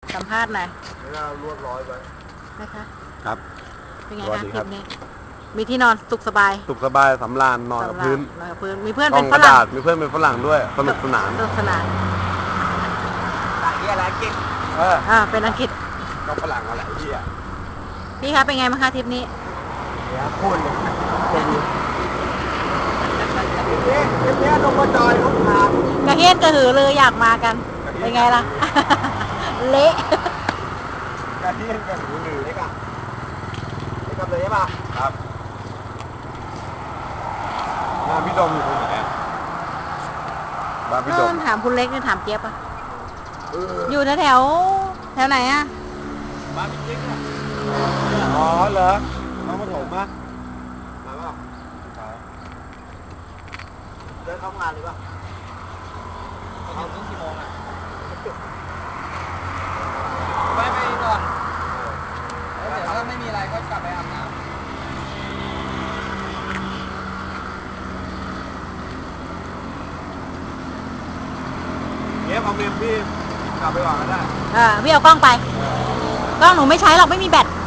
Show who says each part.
Speaker 1: สัมภาษณ์หน่อย
Speaker 2: เวลาลวดร้อยไป
Speaker 1: นะคะ
Speaker 3: ครับ
Speaker 1: เป็นไง
Speaker 3: สวัส
Speaker 1: คะ
Speaker 3: ดี
Speaker 1: ค
Speaker 3: ครั
Speaker 1: ลิ
Speaker 3: บ
Speaker 1: ปนี้มีที่นอนสุขสบาย
Speaker 3: สุขสบายสำราญนอนกับพื้น
Speaker 1: นอนกับพื้นมีเพื่อน
Speaker 3: กล้
Speaker 1: เป็
Speaker 3: อง
Speaker 1: น
Speaker 3: ก
Speaker 1: ฝ
Speaker 3: ระ
Speaker 1: รั่ง
Speaker 3: ดาษมีเพื่อนเป็นฝรั่งด้วยสนุกสนาน
Speaker 1: สนุกสนาน
Speaker 2: อะไรกิน
Speaker 1: เป็นอังกฤษ
Speaker 3: ก็ฝรั่งอะไรที่อ่ะ
Speaker 1: พี่คะเป็นไงบ้างคะทริปนี้
Speaker 2: เดี๋ยวพูดเลยเป็นเนี้ยลงมาจอยรถผ่าน
Speaker 1: กระเฮียนกระหือเลยอยากมากัน เป็นไงล่ะ เละ
Speaker 2: กระเทียมกับหูหนึ่งเลยกันเลยกันเลยใช่ป่ะ
Speaker 3: ครับบ้านพี่ดมอยู่ตรงไหนอ่ะบ้านพี่ด
Speaker 1: นู่
Speaker 3: ม
Speaker 1: นถามคุณเล็กนี่ถามเจี๊ยบอะอยู่แถวไหนอะ
Speaker 3: บ้านพี่จิ๊กอ่ะอ๋อเหรอน้องปฐมอ่ะ
Speaker 2: มาป่ะเดินเข้างานเลยป่ะเขาถึงกี่โมงอ่ะไปก่อนแล้วเดี๋ยวถ้าไม่มีอะไรก็กลับไปอาบน้ำเอาเมมพี่กลับไปก่อนก็ได้
Speaker 1: พี่เอากล้องไป กล้องหนูไม่ใช้หรอกไม่มีแบต